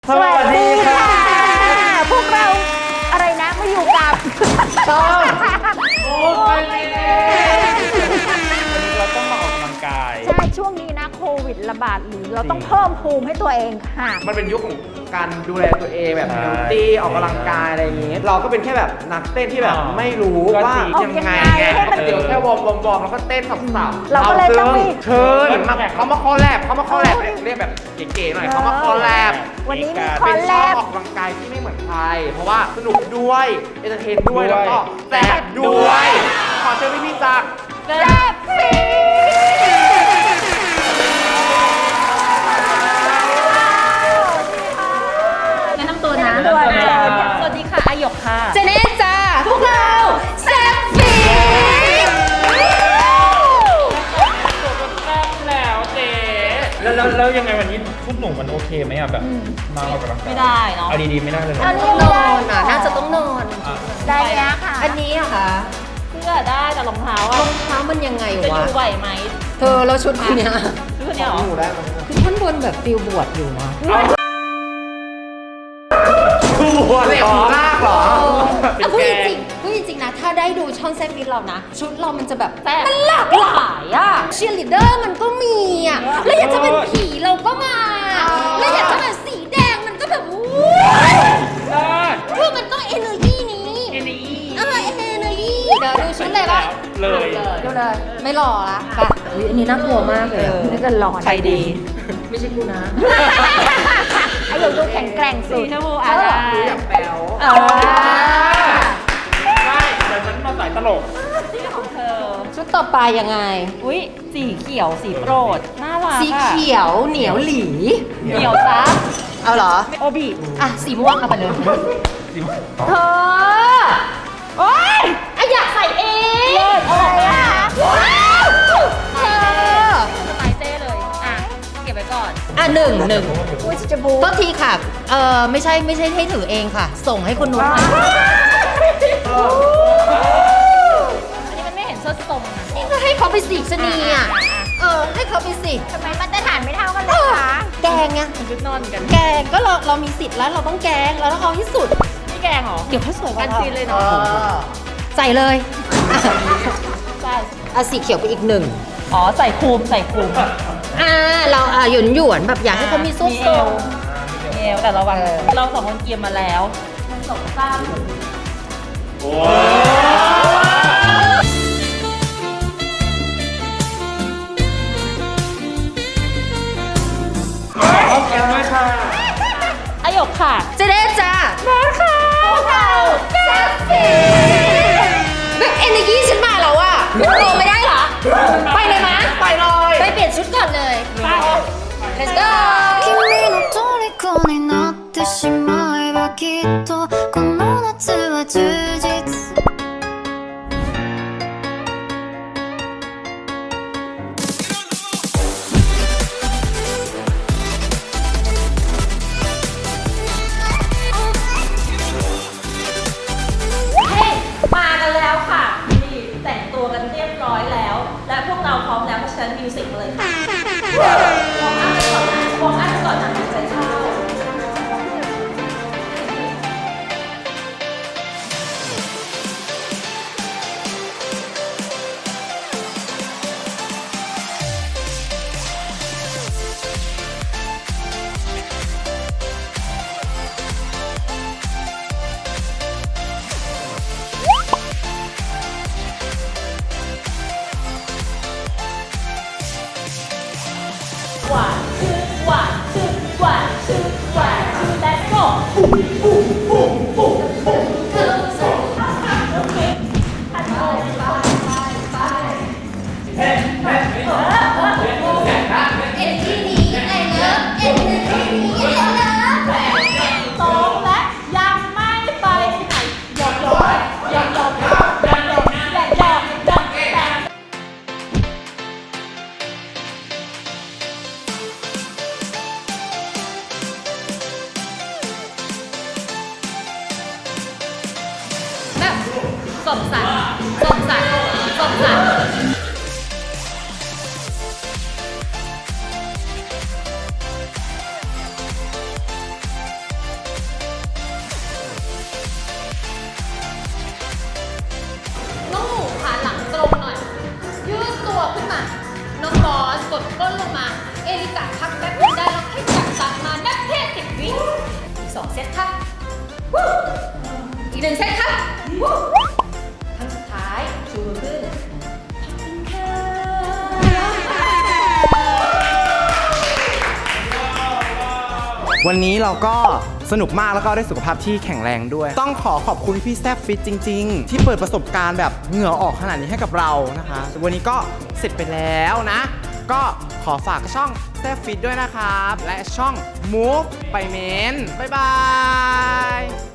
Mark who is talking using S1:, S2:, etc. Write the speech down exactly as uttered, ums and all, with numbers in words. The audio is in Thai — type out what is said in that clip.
S1: สวัสดีค่ะพวกเราอะไรนะมาอยู่กับช่องโอ้ยเราต้องมาออกกำลังกายใช่ช่วงนี้นะโควิดระบาดหรือเราต้องเพิ่มภูมิให้ตัวเองค่ะ
S2: มันเป็นยุคของการดูแลตัวเองแบบเฮลตี้ออกกำลังกายอะไรอย่างงี้เราก็เป็นแค่แบบนักเต้นที่แบบไม่รู้ว่ายังไงไงเดี๋ยวแค่วอร์มวอร์มวอร์มแล้วก็เต้นสับๆ
S1: เราก็เลยต้องมี
S2: เชิญมาเขามาคอลแลบเขามาคอลแลบเรียกแบบเก๋ๆหน่อยเขามาคอลแลบ
S1: วันนี้มีคอลแลบ
S2: ออกกำลังกายที่ไม่เหมือนใครเพราะว่าสนุกด้วยเอนเตอร์เทนด้วยแล้วก็แซ่บด้วยขอเชิญพี่พี่จาก
S1: แซ่บฟี
S3: แนะนำตัวนะสวัสดีค่ะอาหยกค่ะ
S1: เจเน่จ้าพวกเราแซ่บฟี
S2: แล้วเจ๊
S4: แล้วแล้วแล้วยังไงวันนี้ชุดหนูมันโอเคไหมอ่ะแบบมาออกกำลังกาย
S3: ไม่ได้เนาะ
S4: เอาดีๆไม่ได้เลย
S1: อันนี้นอนอ่ะน่าจะต้องนอนได้เนี้ยค่ะ
S5: อันนี้อะคะ
S3: เสื้อได้แต่รองเท้าร
S5: องเท้ามันยังไง
S3: จะอ
S5: วะ
S3: ยู่ไหวไหม
S5: เธอแล้วชุดเนี้ย
S3: ชุดเนี้ยหรอ
S5: คือท่านบนแบบฟิลบวชอยู่นะ
S2: คู่บวชเหรอลากเหรอ
S5: เอาพูดจริงพูดจริงนะถ้าได้ดูช่องแซฟฟิตเรานะชุดเรามันจะแบบมันหลากหลายอะเชียร์ลีดเดอร์มันก็มีอะแล้วอยากจะเป็นผีเราก็มาแล้วอยากจะแบบสีแดงมันก็แบบคือมันต้องเอเนอร์จีนี้เอเนอร์จีเออเอเนอร์จีเดี๋ยวดูชุดเลยปะ
S4: เลย
S5: ดูเลยไม่หล่อละป่ะอันนี้น่ากลัวมากเลย
S1: นี่ก็หล่อ
S3: ใครดี
S5: ไม่ใช่กูนะ
S1: ไอ้หยกดูแข็งแกร่งสุด
S3: ชมพูอะไร
S2: ดูอย่างแป๋ว
S1: เออ
S4: ได้แต่ฉันมาสายตลก
S3: นี่ของเธอ
S5: ชุดต่อไปยังไง
S3: อุ้ยสีเขียวสีโปรดน่ารัก
S5: สีเขียวเหนียวหลี
S3: เหนียวซับ
S5: เอาเหรอ
S3: โอบิ
S5: อ่ะสีม่วงเอาไปเลยเธอโอ๊ยอะอยากใส่เอง
S1: อะไรอ่ะ
S5: เธอ
S3: สไตล์เต้เลยอ่ะเก็บไว้ก่อน
S5: อ่ะหนึ่งหนึ่ง
S1: อุ้ยจะบู
S5: โทษทีค่ะเออไม่ใช่ไม่ใช่ให้ถือเองค่ะ ส่งให้คุณนุช
S3: อันนี้มันไม่เห็นส้นทรงนะ
S5: นี่ก็ให้เขาไปสิชนีอ่ะเออให้เขาไปสิ
S1: ทำไมมาตรฐานไม่เท่ากันเลยคะ
S5: แกงไง
S3: มันชุดนอนกัน
S5: แกงก็เราเรามีสิทธิ์แล้วเราต้องแกงเราต้องเอาที่สุด
S3: นี่แกงเหรอ
S5: เดี๋ยวเขาสวยกว่า
S3: กันซีนเลยเนาะ
S5: ใส่เลย
S3: ใช่
S5: อ่ะสีเขียวไปอีกหนึ่ง
S3: อ๋อใส่คูมใส่คูม
S5: อ่าเราอ่ะหยวนหยวนแบบอยากให้เขามีซุปโซ
S3: เอวแต่ระวังเราสองคนเกียมมาแล้วมันสองซ้ำ
S4: โอ้ขอบคุณมากค่ะ
S3: อาหยกค่ะ
S5: เจเด้จ้ามาค่ะ
S3: พวกเรา
S5: แซ่บซีแบบเอเนอร์จีฉันมาแล้วอะโตไม่ได้เหรอไปเลยมะ
S2: ไปเลย
S5: ไปเปลี่ยนชุดก่อนเลยไป let's go
S6: 君の虜になってしまえばきっとこの夏は充実
S3: มากันแล้วค่ะนี่แต่งตัวกันเรียบร้อยแล้วและพวกเราพร้อมแล้วเพราะฉะนั้นมิวสิกมาเลยค่ะวอร์มอัพกันก่อนนะวอร์มอัพกันก่อนนะหายใจเข้าหวานชื่อหวานชื่อหวานชื่อหวานชื่อ let's go ปุ๊บปุ๊บปุ๊บปุ๊บปุ๊บโอเคไปไปไปไป
S5: เอ็นที่นี้ไอ้เลิฟเอ็นที่นี้ไอ้เลิฟ
S3: สองและยังไม่ไปไหนหยอกหยอกหยอกหยอกหยอกหยอกหยอกหยอกหยอกหยอกแบบสมสันสมสันสมสัน
S5: กดก้นลงมา เอลิกะพักแป๊บนึงได้แล้วให้จับตามานับแค่สิบวิอีกสองเซตค่ะวู้อีกหนึ่งเซตค่ะวู้ครั้งสุดท้ายชูมือขึ้นขอบคุณค่ะ
S2: วันนี้เราก็สนุกมากแล้วก็ได้สุขภาพที่แข็งแรงด้วย ต้องขอขอบคุณพี่แซฟฟิตจริงๆ ที่เปิดประสบการณ์แบบเหงื่อออกขนาดนี้ให้กับเรานะคะ วันนี้ก็เสร็จไปแล้วนะ ก็ขอฝากช่องแซฟฟิตด้วยนะครับ และช่อง Move ไปเมนบ๊ายบาย